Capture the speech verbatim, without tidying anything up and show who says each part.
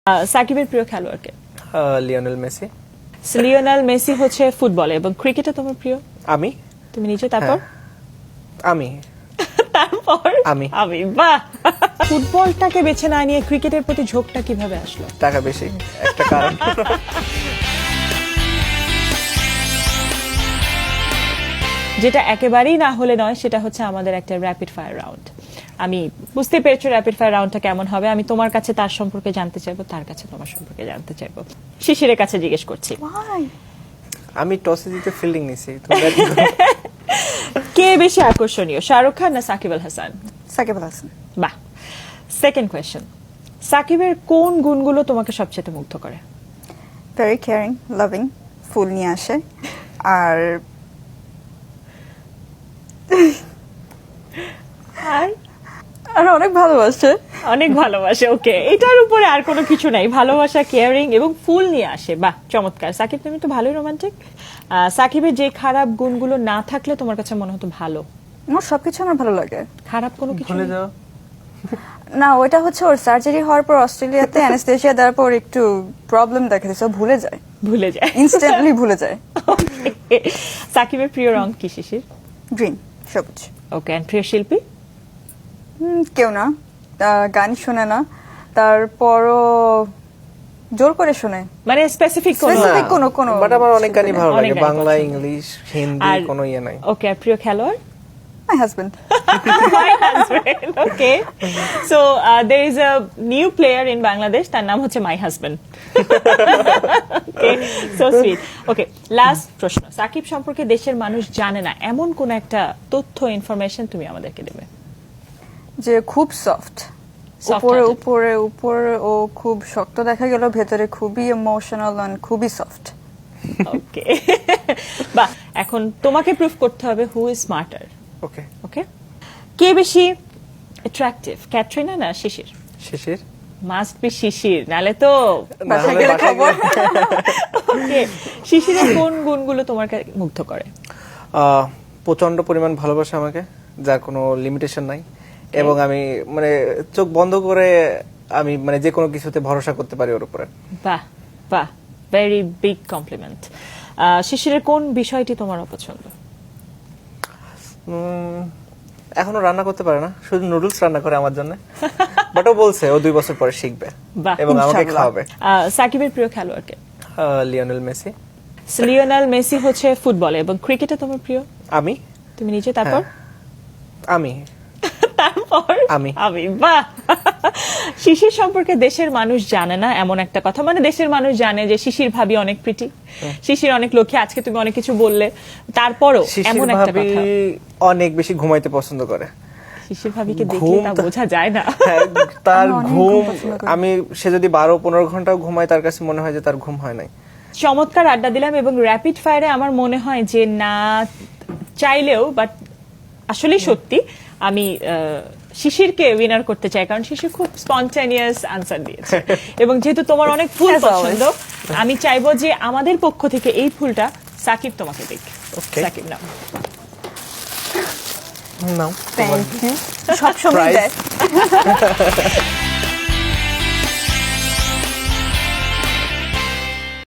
Speaker 1: সাকিবের প্রিয় খেলোয়াড়কে?
Speaker 2: Lionel Messi.
Speaker 1: লিওনেল মেসি হচ্ছে ফুটবলে, এবং ক্রিকেটে তোমার প্রিয়?
Speaker 2: আমি।
Speaker 1: তুমি নিজে? তারপর?
Speaker 2: আমি।
Speaker 1: তারপর?
Speaker 2: আমি।
Speaker 1: আমি। বাহ! ফুটবলটাকে বেছে না নিয়ে ক্রিকেটের প্রতি ঝোঁকটা কিভাবে আসলো?
Speaker 2: টাকা বেশি একটা কারণ।
Speaker 1: যেটা একেবারেই না হলে নয়, সেটা হচ্ছে আমাদের একটা র্যাপিড ফায়ার রাউন্ড। আমি বুঝতে পেরেছি র্যাপিড ফায়ার রাউন্ডটা কেমন হবে। আমি তোমার কাছে তার সম্পর্কে জানতে চাইবো, তার কাছে তোমার সম্পর্কে জানতে চাইবো। শিশিরের কাছে জিজ্ঞেস করছি।
Speaker 2: আমি টসে জিতে ফিল্ডিং নিছি।
Speaker 1: কে বেশি আকর্ষণীয়, শাহরুখ খান না সাকিব আল হাসান?
Speaker 3: সাকিব আল হাসান।
Speaker 1: বাহ। সেকেন্ড কোয়েশ্চেন, সাকিবের কোন গুণগুলো তোমাকে সবচেয়ে মুগ্ধ করে?
Speaker 3: ভেরি কেয়ারিং, লাভিং, ফুল নিয়ে আসে, আর
Speaker 1: আর
Speaker 3: আর অনেক ভালোবাসে।
Speaker 1: অনেক ভালোবাসে। ওকে, এটার উপরে আর কোনো কিছু নাই। ভালোবাসা, কেয়ারিং এবং ফুল নিয়ে আসে। বাহ, চমৎকার। সাকিব, তুমি তো ভালোই রোমান্টিক। সাকিবের যে খারাপ গুণগুলো না থাকলে তোমার কাছে মনে হতো ভালো?
Speaker 3: আমার সবকিছু আমার ভালো লাগে।
Speaker 1: খারাপ কোনো কিছু
Speaker 2: ভুলে
Speaker 1: নেই?
Speaker 2: যাও।
Speaker 3: না, ওইটা হচ্ছে ওর সার্জারি হওয়ার পর অস্ট্রেলিয়াতে অ্যানেস্থেসিয়া দেওয়ার পর একটু প্রবলেম দেখা দিয়েছে, ও ভুলে যায়,
Speaker 1: ভুলে যায়,
Speaker 3: ইনস্ট্যান্টলি ভুলে যায়।
Speaker 1: সাকিবের প্রিয় রং কি শিশির?
Speaker 3: গ্রিন, সবুজ।
Speaker 1: ওকে, এন্ড প্রিয় শিল্পী?
Speaker 3: হুম, কেউ না, আহ, গান শোনে না, তারপরও জোর করে শোনে,
Speaker 1: মানে স্পেসিফিক কোন?
Speaker 3: Specific কোনো কোনো
Speaker 2: বাট আমার অনেক গানই ভালো
Speaker 1: অনেক
Speaker 2: লাগে,
Speaker 1: গানই
Speaker 2: বাংলা,
Speaker 1: পছন্দ।
Speaker 2: ইংলিশ, হিন্দি,
Speaker 1: আর-
Speaker 2: কোনো ইয়ে নাই।
Speaker 1: ওকে, আর প্রিয় খেলোয়াড়?
Speaker 3: My husband.
Speaker 1: My husband. Okay. So uh, there is a new player in Bangladesh. তার নাম হচ্ছে My Husband. Okay. So sweet. Okay. Last প্রশ্ন। সাকিব সম্পর্কে দেশের মানুষ জানে না এমন কোন একটা তথ্য, ইনফরমেশন তুমি আমাদেরকে দেবে।
Speaker 3: যে খুব সফট,
Speaker 1: Soft
Speaker 3: উপরে
Speaker 1: hearted.
Speaker 3: উপরে উপরে ও খুব শক্ত দেখা গেল, ভেতরে খুবই ইমোশনাল আর খুবই সফট।
Speaker 1: ওকে। বাহ, এখন তোমাকে প্রুফ করতে হবে হু ইজ স্মার্টার।
Speaker 2: ওকে।
Speaker 1: ওকে, কে বেশি অ্যাট্রাকটিভ, ক্যাটরিনা না শিশির?
Speaker 2: শিশির।
Speaker 1: মাস্ট বি শিশির, নালে তো
Speaker 2: না
Speaker 3: বাসায়
Speaker 2: হলে
Speaker 3: গেলে
Speaker 2: বাসায়
Speaker 3: খবর।
Speaker 1: ওকে। শিশিরের কোন গুণগুলো তোমার কাছে মুগ্ধ করে?
Speaker 2: আহ, প্রচন্ড পরিমাণ ভালোবাসে আমাকে, যার কোনো লিমিটেশন নাই, এবং আমি মানে চোখ বন্ধ করে আমি মানে যে কোনো কিছুতে ভরসা করতে পারি ওর উপরে।
Speaker 1: বাহ বাহ, ভেরি বিগ কমপ্লিমেন্ট। শিশিরের কোন বিষয়টি তোমার অপছন্দ?
Speaker 2: উম, এখনো রান্না করতে পারে না, শুধু নুডলস রান্না করে আমার জন্য। বাট ও বলছে ও দুই বছর পরে শিখবে
Speaker 1: বাহ,
Speaker 2: এবং আমাকে
Speaker 3: ইনশাআল্লাহ।
Speaker 2: খাওয়াবে।
Speaker 1: আহ, সাকিবের প্রিয় খেলোয়াড়কে?
Speaker 2: আহ, লিওনেল মেসি।
Speaker 1: লিওনেল মেসি হচ্ছে ফুটবলে, এবং ক্রিকেটে তোমার প্রিয়?
Speaker 2: আমি।
Speaker 1: তুমি নিজে? তারপর?
Speaker 2: আমি।
Speaker 1: তারপর?
Speaker 2: আমি।
Speaker 1: আমি। বাহ। শিশির সম্পর্কে দেশের মানুষ জানে না এমন একটা কথা, মানে দেশের মানুষ জানে যে শিশির ভাবি অনেক প্রিটি, শিশির অনেক লক্ষ্মী, আজকে তুমি অনেক কিছু বললে, তারপরও
Speaker 2: শিশির
Speaker 1: এমন একটা
Speaker 2: ভাবি
Speaker 1: কথা।
Speaker 2: অনেক বেশি ঘুমাইতে পছন্দ করে।
Speaker 1: শিশির ভাবিকে দেখলে
Speaker 2: ঘুম
Speaker 1: তা
Speaker 2: তো-
Speaker 1: বোঝা যায় না।
Speaker 2: হ্যাঁ, তার
Speaker 3: আমি অনেক
Speaker 2: ঘুম,
Speaker 3: ঘুম পছন্দ করি।
Speaker 2: আমি সে যদি বারো পনেরো ঘন্টাও ঘুমায় তার কাছে মনে হয় যে তার ঘুম হয় নাই।
Speaker 1: চমৎকার আড্ডা দিলাম, এবং র্যাপিড ফায়ারে আমার মনে হয় যে না চাইলেও, বাট আসলেই সত্যি আমি আহ, শিশিরকে উইনার করতে চাই, কারণ শিশির খুব স্পন্টানিয়াস আনসার দিয়েছে। এবং যেহেতু তোমার অনেক ফুল
Speaker 3: As always.
Speaker 1: পছন্দ, আমি চাইবো যে আমাদের পক্ষ থেকে এই ফুলটা সাকিব তোমাকে দিক।
Speaker 2: Okay.
Speaker 1: সাকিব নাও।
Speaker 2: নাও।
Speaker 3: Thank you. সবসময়
Speaker 2: Prize.
Speaker 3: দেয়।